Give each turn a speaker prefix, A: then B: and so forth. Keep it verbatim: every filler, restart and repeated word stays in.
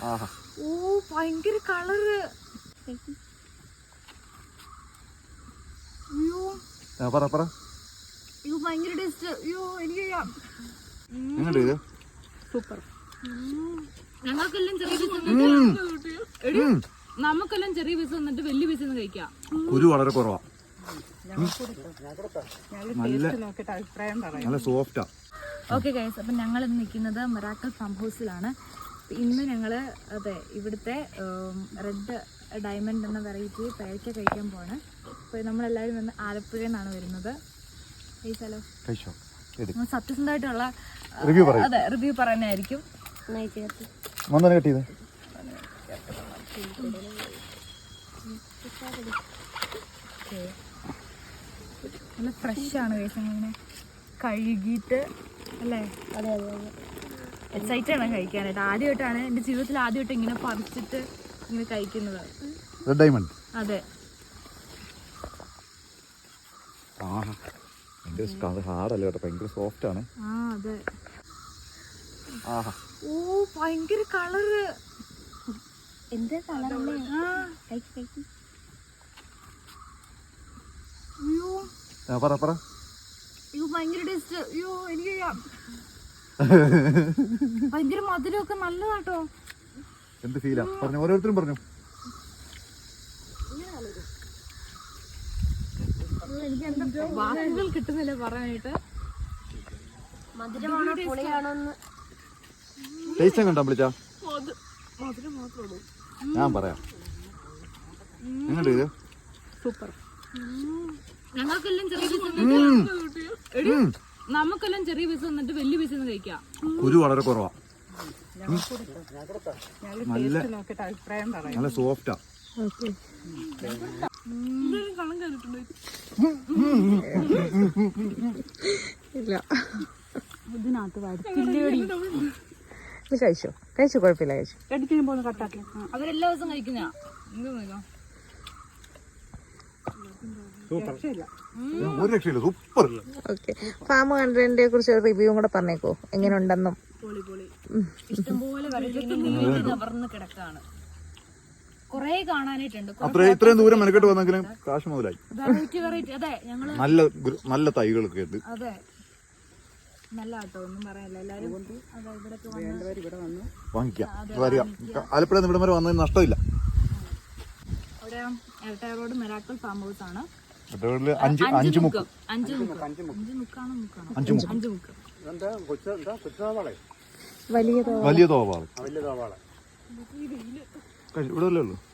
A: ഓ ഭയങ്കര കളറ്. അയ്യോ
B: പറ പറ
A: അയ്യോ ഭയങ്കര ടേസ്റ്റ്. അയ്യോ എനിക്ക് സൂപ്പർ. ഞങ്ങൾക്കെല്ലാം ചെറിയ പീസ് നമുക്കെല്ലാം ചെറിയ പീസ് വന്നിട്ട് വലിയ പീസ് ഒന്ന് കഴിക്കാം.
B: കുരു വളരെ കുറവാ, നല്ല സോഫ്റ്റാ.
A: ഓക്കെ ഗൈസ്, അപ്പം ഞങ്ങൾ ഇന്ന് നിൽക്കുന്നത് മിറാക്കിൾ ഫാം ഹൗസിലാണ്. ഇന്ന് ഞങ്ങൾ അതെ ഇവിടുത്തെ റെഡ് ഡയമണ്ട് എന്ന വെറൈറ്റി പേരയ്ക്ക കഴിക്കാൻ പോവാണ്. അപ്പോൾ നമ്മളെല്ലാവരും വന്ന് ആലപ്പുഴയിൽ നിന്നാണ് വരുന്നത്. കഴിച്ചാലോ? സത്യസന്ധമായിട്ടുള്ള അതെ റിവ്യൂ പറയാനായിരിക്കും. നല്ല ഫ്രഷാണ് ഗൈസ്. ഇങ്ങനെ കഴുകിയിട്ട് അല്ലേ? അതെ അതെ അതെ എക്സൈറ്റഡ് ആണ് കഴിക്കാനായിട്ട്. ആദ്യമായിട്ടാണ് എൻ്റെ ജീവിതത്തിൽ ആദ്യമായിട്ട് ഇങ്ങനെ പറിച്ചിട്ട് ഇങ്ങനെ കഴിക്കുന്നത്. അതെ
B: ഹാർഡല്ല കേട്ടോ, ഭയങ്കര സോഫ്റ്റ് ആണ്.
A: ആ അതെ. ഓ ഭയങ്കര കളറ്. എന്താ കളറല്ലേ? അയ്യോ
B: പറ പറ
A: അയ്യോ ഭയങ്കര ടേസ്റ്റ്. അയ്യോ എനിക്ക് ഭയങ്കര മധുരമൊക്കെ നല്ലതാട്ടോ.
B: എന്ത് ഫീലാ പറഞ്ഞു, ഓരോരുത്തരും പറഞ്ഞു.
A: എനിക്ക് എന്താ വാക്കുകൾ കിട്ടുന്നില്ല പറയാനായിട്ട്. മധുരമാണോ പുളിയാണോന്ന്
B: ടേസ്റ്റ് കണ്ടാ വിളിച്ചാ ഞാൻ പറയാം. എങ്ങനെയുണ്ട് ഇത്?
A: സൂപ്പർ. ഞങ്ങൾക്കെല്ലാം ചെറിയ പീസ് നമുക്കെല്ലാം ചെറിയ പീസ് വന്നിട്ട് വലിയ പീസ് ഒന്ന് കഴിക്കാം.
B: കുരു വളരെ കുറവാ, നല്ല നല്ല സോഫ്റ്റാ.
C: ഇല്ല ഇതിനകത്ത് കഴിച്ചോ കഴിച്ചു കുഴപ്പമില്ല കഴിച്ചു.
A: അവരെല്ലാ ദിവസം കഴിക്കുന്ന
C: ഓക്കെ. ഫാം കണ്ടതിനെ കുറിച്ച് റിവ്യൂ കൂടെ പറഞ്ഞേക്കോ, എങ്ങനെ ഉണ്ടെന്നും.
A: ഇഷ്ടംപോലെ നിവർന്ന് കിടക്കാണ്. കൊറേ കാണാനായിട്ടുണ്ട്.
B: ഇത്രയും ദൂരം മെനക്കെട്ട് വന്നെങ്കിലും കാശ് മുതലായി.
A: വെറൈറ്റി വെറൈറ്റി അതെ ഞങ്ങള്
B: നല്ല നല്ല തൈകളൊക്കെ ഉണ്ട്.
A: അതെ നല്ല ആട്ടോ, ഒന്നും പറയാനില്ല. എല്ലാരും
B: വാങ്ങിക്കാം. ആലപ്പുഴ ഇവിടം വരെ വന്നതിന് നഷ്ടമില്ല.
A: അവിടെ എരട്ടയ റോഡ് മിറാക്കിൾ ഫാം ഹൗസ് ആണ്.
B: അഞ്ച് അഞ്ച് മുക്ക്
A: അഞ്ച് മുക്ക് അഞ്ച് മുക്കാണോ മുക്കാണോ
B: അഞ്ച് മുക്ക്
A: അഞ്ച് മുക്ക്
C: വലിയ
B: വലിയ തോവാള് ഇവിടെ അല്ലേ ഉള്ളൂ.